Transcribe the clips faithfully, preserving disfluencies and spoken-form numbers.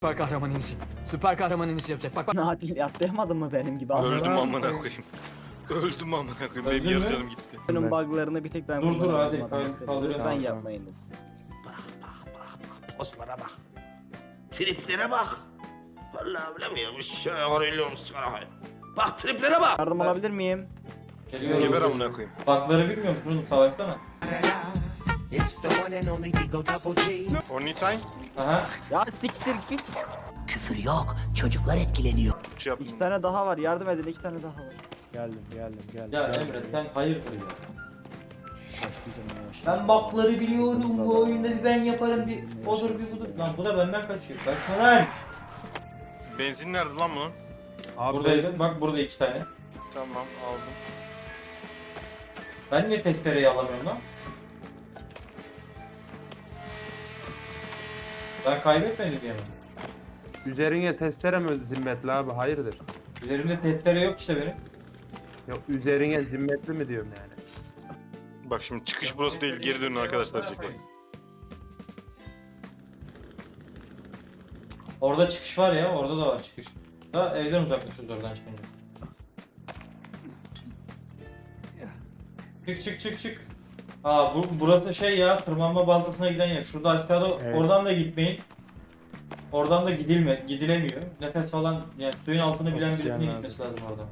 Süper kahraman inişi. Süper kahraman inişi yapacak. Bak bak. Natil atlayamadın mı benim gibi? Öldüm Aslında amına koyayım. Öldüm amına koyayım. Benim Öldün yarı mü? canım gitti. Oyunun buglarını bir tek ben Dur, dur, kullanıyorum hadi, adam kalk- akıllı. kaldırıyorum. Lütfen Tamam, yapmayınız. Bak bak bak bak pozlara bak. Triplere bak. Vallahi bilemiyorum. Şey arıyorum sigara. Bak triplere bak. Yardım alabilir miyim? Geliyorum. Geber amına koyayım. Bakları bilmiyor musun? Savaşsana. Only time. Aha. Ya siktir git. Küfür yok. Çocuklar etkileniyor. Şey yaptım. İki tane daha var. Yardım edin. iki tane daha var. Geldim geldim geldim. Ya geldim. Emre sen hayırdır ya. Başlayacağım yavaş. Ben bakları biliyorum. Kızımız Bu adam. oyunda bir ben yaparım bir odur bir budur. Lan bu da benden kaçıyor. Kaçma lan. Benzin nerede lan bunun? Abi Buradaydı. Bak burada iki tane. Tamam aldım. Ben niye testereyi alamıyorum lan? Ben kaybetmedim diye mi? üzerine testere mi zimmetli abi hayırdır? Üzerimde testere yok işte benim. Yok üzerine zimmetli mi diyorum yani. Bak şimdi çıkış burası değil, geri dönün arkadaşlar diyecek bak. Orada çıkış var ya, orada da var çıkış. Da evden uzaklaşıyoruz oradan çıkınca. Çık çık çık çık. Aa bu, burası şey ya, tırmanma baltasına giden yer. Şurada aşağıda, Evet. oradan da gitmeyin. Oradan da gidilme, gidilemiyor. Nefes falan, yani suyun altını bilen Oksijen birisinin lazım. gitmesi lazım oradan.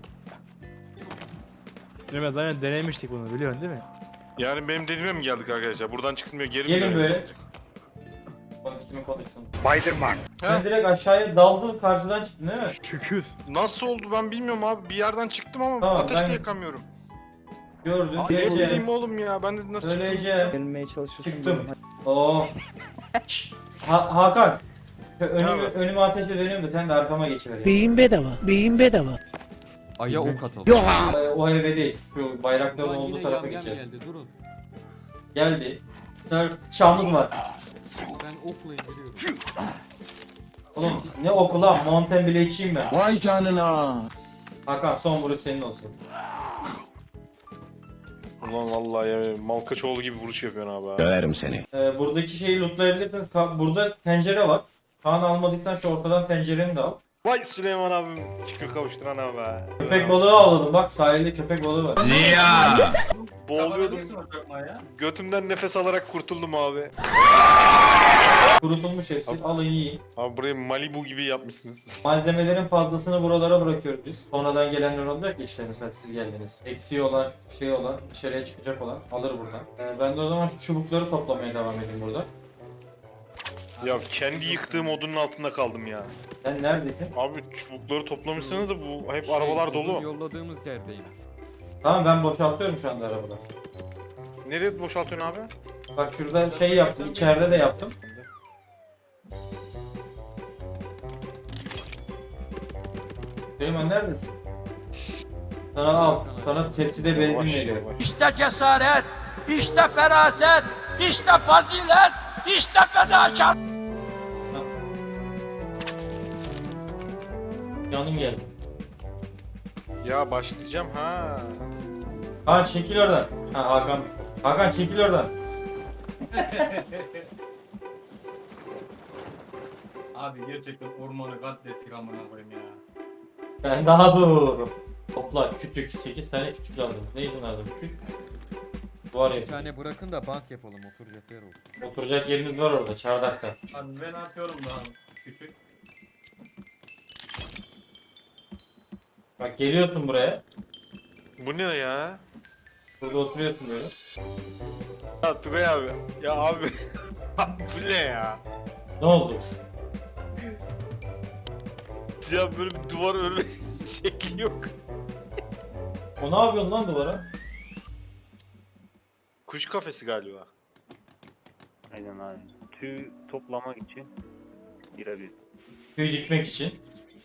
Mehmet zaten denemiştik bunu biliyorsun değil mi? Yani benim dediğime mi geldik arkadaşlar? Buradan çıkılmıyor, geri mi Gelin dönüyoruz? böyle. Bak kimin konuşsun. Spiderman. Sen direkt aşağıya daldın, karşıdan çıktın değil mi? Şükür. Nasıl oldu ben bilmiyorum abi. Bir yerden çıktım ama Tamam, ateş de ben- yakamıyorum. Gördün, Ne geleceğim. bileyim oğlum ya. Ben de nasıl çıktım? Söyleyeceğim. Gelmeye çalışıyorsun. Çıktım. diyorum. Oo. Ha Hakan. Şu Önümü, abi? önüme ateşle dönüyorum da sen de arkama geçiver ya. Beyin bedava, beyin bedava. Aya ok atalım. Ee, O eve değil. Şu bayrakların olduğu tarafa gideceğiz. durun. Geldi. Şöyle Çamlık var. Ben okla indiriyorum. Oğlum ne oku lan? Mountain bile içeyim ben. Vay canına. Hakan son vuruş senin olsun. Ulan vallahi ya Malkaçoğlu gibi vuruş yapıyorsun abi. ha. Döverim seni. Ee, buradaki şeyi lootlayabilirsin. Ka- Burada tencere var. Kaan almadıktan şu ortadan tencereni de al. Vay Süleyman abim. Şükür kavuşturan abi. ha. Köpek balığı avladım. Bak sahilde köpek balığı var. Boğuluyordum. Götümden nefes alarak kurtuldum abi. Kurutulmuş hepsi. Alın yiyin. Abi burayı Malibu gibi yapmışsınız. Malzemelerin fazlasını buralara bırakıyoruz biz. Sonradan gelenler olacak ya işte mesela siz geldiniz. Eksiği olan, şey olan, dışarıya çıkacak olan alır buradan. Ee, ben de o zaman şu çubukları toplamaya devam edeyim burada. Ya kendi yıktığım odunun altında kaldım ya. Sen neredesin? Abi çubukları toplamışsınız da bu hep arabalar dolu. Yolladığımız yerdeyim. Tamam ben boşaltıyorum şu anda arabada. Nereye boşaltıyorsun abi? Bak şurada şey yaptım, içeride de yaptım. Süleyman neredesin? Sana al, sana tepside benzin Yavaş, veriyor. yavaş. İşte cesaret, işte feraset, işte fazilet, işte fedakar. Yanım geldi. Ya başlayacağım ha. Hakan çekil oradan. Ha Hakan. Hakan çekil oradan. Abi gerçekten ormanı katlettik amına koyayım ya. Ben daha dur. Topla kütük. sekiz tane kütük lazım. Neydi lazım kütük? Duvar Bir yapı. tane bırakın da bank yapalım. Oturacak yer olur. Oturacak yerimiz var orada çardakta. Abi ben atıyorum daha küçük. Bak geliyorsun buraya. Bu ne ya? Burada oturuyorsun böyle. Ya Tugay abi. Ya abi. Bu ne ya? Ne oldu? Ya böyle bir duvar örme şekli yok. O ne yapıyorsun lan duvara? Kuş kafesi galiba. Aynen abi. Tüy toplamak için girebilir. Tüy dikmek için.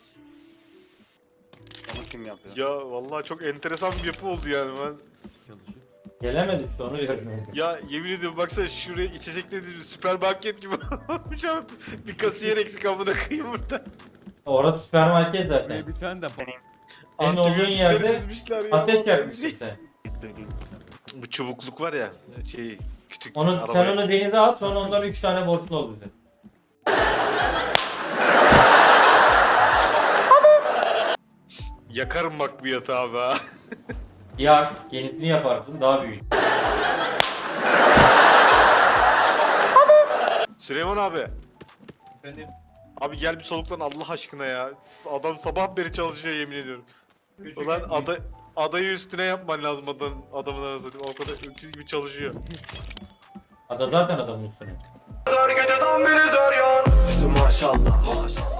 Onu kim yapıyor? Ya vallahi çok enteresan bir yapı oldu yani ben. Gelemedik işte onu diyorum. Ya yemin ediyorum baksana şuraya içecekleri süpermarket gibi olmuş abi. Bir kasiyer eksik amına koyayım burada. Orası süpermarket zaten. Buraya bir tane de bank. Senin olduğun Antibiyotikleri yerde dizmişler ya. ateş yakmışsın sen. Bu çubukluk var ya şey küçük Onu, sen arabaya- onu denize at sonra ondan üç tane borçlu ol bize. Yakarım bak bu yatağı abi ha. Ya yenisini yaparsın daha büyük. Süleyman abi. Efendim. Abi gel bir soluklan Allah aşkına ya. Adam sabah beri çalışıyor yemin ediyorum. Küçük Ulan ekmek. ada, adayı üstüne yapman lazım adam, adamın arasında. O kadar öküz gibi çalışıyor. Ada zaten adamın üstüne. Maşallah.